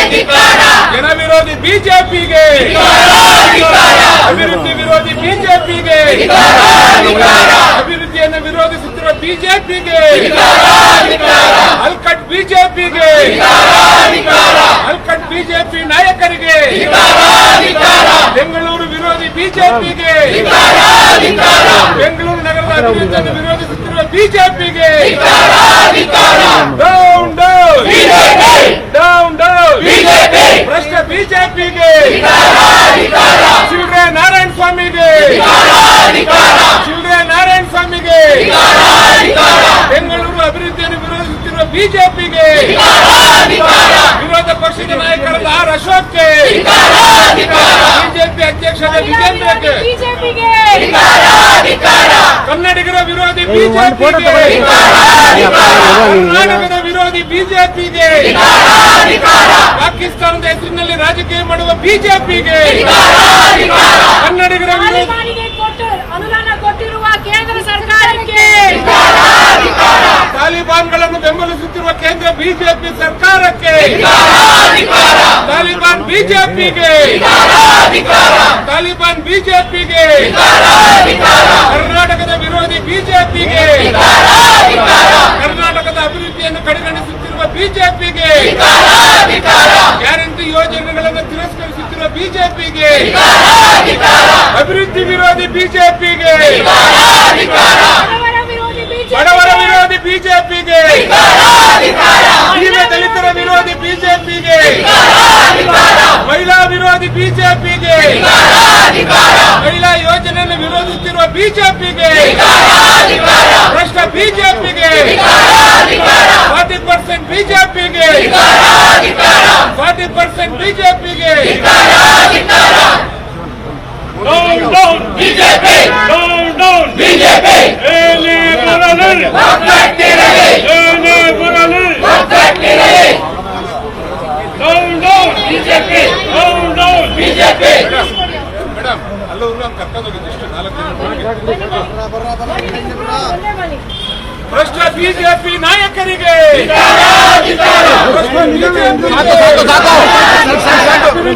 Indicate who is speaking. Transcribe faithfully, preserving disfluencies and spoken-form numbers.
Speaker 1: ಜನ ವಿರೋಧಿ ಬಿಜೆಪಿಗೆ, ಅಭಿವೃದ್ಧಿ ವಿರೋಧಿ ಬಿಜೆಪಿಗೆ, ಅಭಿವೃದ್ಧಿಯನ್ನು ವಿರೋಧಿಸುತ್ತಿರುವ ಬಿಜೆಪಿಗೆ, ಅಲ್ಕಟ್ ಬಿಜೆಪಿಗೆ, ಅಲ್ಕಟ್ ಬಿಜೆಪಿ ನಾಯಕರಿಗೆ, ಬೆಂಗಳೂರು ವಿರೋಧಿ ಬಿಜೆಪಿಗೆ, ಬೆಂಗಳೂರು ನಗರದ ಅಭಿವೃದ್ಧಿಯನ್ನು ವಿರೋಧಿಸುತ್ತಿರುವ ಬಿಜೆಪಿಗೆ ಡೌನ್ ಡೌನ್ ಡೌನ್ ಡೌನ್ ಭ್ರಷ್ಟ ಬಿಜೆಪಿಗೆ, ಶಿವರೇ ನಾರಾಯಣ ಸ್ವಾಮಿಗೆ, ಶಿವರೇ ನಾರಾಯಣ ಸ್ವಾಮಿಗೆ, ಬೆಂಗಳೂರು ಅಭಿವೃದ್ಧಿಯನ್ನು ವಿರೋಧಿಸುತ್ತಿರುವ ಬಿಜೆಪಿಗೆ, ವಿರೋಧ ಪಕ್ಷದ ನಾಯಕರಾದ ಆರ್ ಅಶೋಕ್ಗೆ, ಬಿಜೆಪಿ ಅಧ್ಯಕ್ಷರಾದ ವಿಜೇಂದ್ರಕ್ಕೆ, ಕನ್ನಡಿಗರ ವಿರೋಧಿ ಬಿಜೆಪಿಗೆ, ಕರ್ನಾಟಕದ ವಿರೋಧಿ ಬಿಜೆಪಿಗೆ, ಪಾಕಿಸ್ತಾನದ ಹೆಸರಿನಲ್ಲಿ ರಾಜಕೀಯ ಮಾಡುವ ಬಿಜೆಪಿಗೆ, ಕನ್ನಡಿಗರ ವಿರೋಧಿ
Speaker 2: ಅನುದಾನ ಕೊಟ್ಟಿರುವ ಕೇಂದ್ರ ಸರ್ಕಾರಕ್ಕೆ,
Speaker 1: ತಾಲಿಬಾನ್ಗಳನ್ನು ಬೆಂಬಲಿಸುತ್ತಿರುವ ಕೇಂದ್ರ ಬಿಜೆಪಿ ಸರ್ಕಾರಕ್ಕೆ, ತಾಲಿಬಾನ್ ಬಿಜೆಪಿಗೆ, ತಾಲಿಬಾನ್ ಬಿಜೆಪಿಗೆ, ಕರ್ನಾಟಕದ ವಿರೋಧಿ ಬಿಜೆಪಿಗೆ, ಕರ್ನಾಟಕದ ಅಭಿವೃದ್ಧಿಯನ್ನು ಕಡೆಗಣಿಸುತ್ತಿರುವ ಬಿಜೆಪಿಗೆ, ಗ್ಯಾರಂಟಿ ಯೋಜನೆಗಳನ್ನು ತಿರಸ್ಕರಿಸುತ್ತಿರುವ ಬಿಜೆಪಿಗೆ, ಅಭಿವೃದ್ಧಿ ವಿರೋಧಿ ಬಿಜೆಪಿಗೆ, ಬಡವರ ವಿರೋಧಿ ಬಿಜೆಪಿಗೆ, ದೀನ ದಲಿತರ ವಿರೋಧಿ ಬಿಜೆಪಿಗೆ, ಮಹಿಳಾ ವಿರೋಧಿ ಬಿಜೆಪಿಗೆ, ಮಹಿಳಾ ಯೋಜನೆಯನ್ನು ವಿರೋಧಿಸುತ್ತಿರುವ ಬಿಜೆಪಿಗೆ, ಭ್ರಷ್ಟ ಬಿಜೆಪಿಗೆ, ಫಾರ್ಟಿ ಪರ್ಸೆಂಟ್ ಬಿಜೆಪಿಗೆ, ಫಾರ್ಟಿ ಪರ್ಸೆಂಟ್ ಬಿಜೆಪಿಗೆ,
Speaker 3: down down BJP, down down BJP, ಏನೇ ಬರಲಿ ಏನೇ ಬರಲಿ, down down BJP, down down BJP.
Speaker 1: Madam ಅಲ್ಲೂ ಕರ್ಕೊಂಡು ಹೋಗಿದ್ದು ಇಷ್ಟು ನಾಲ್ಕು ಭ್ರಷ್ಟ ಬಿಜೆಪಿ ನಾಯಕರಿಗೆ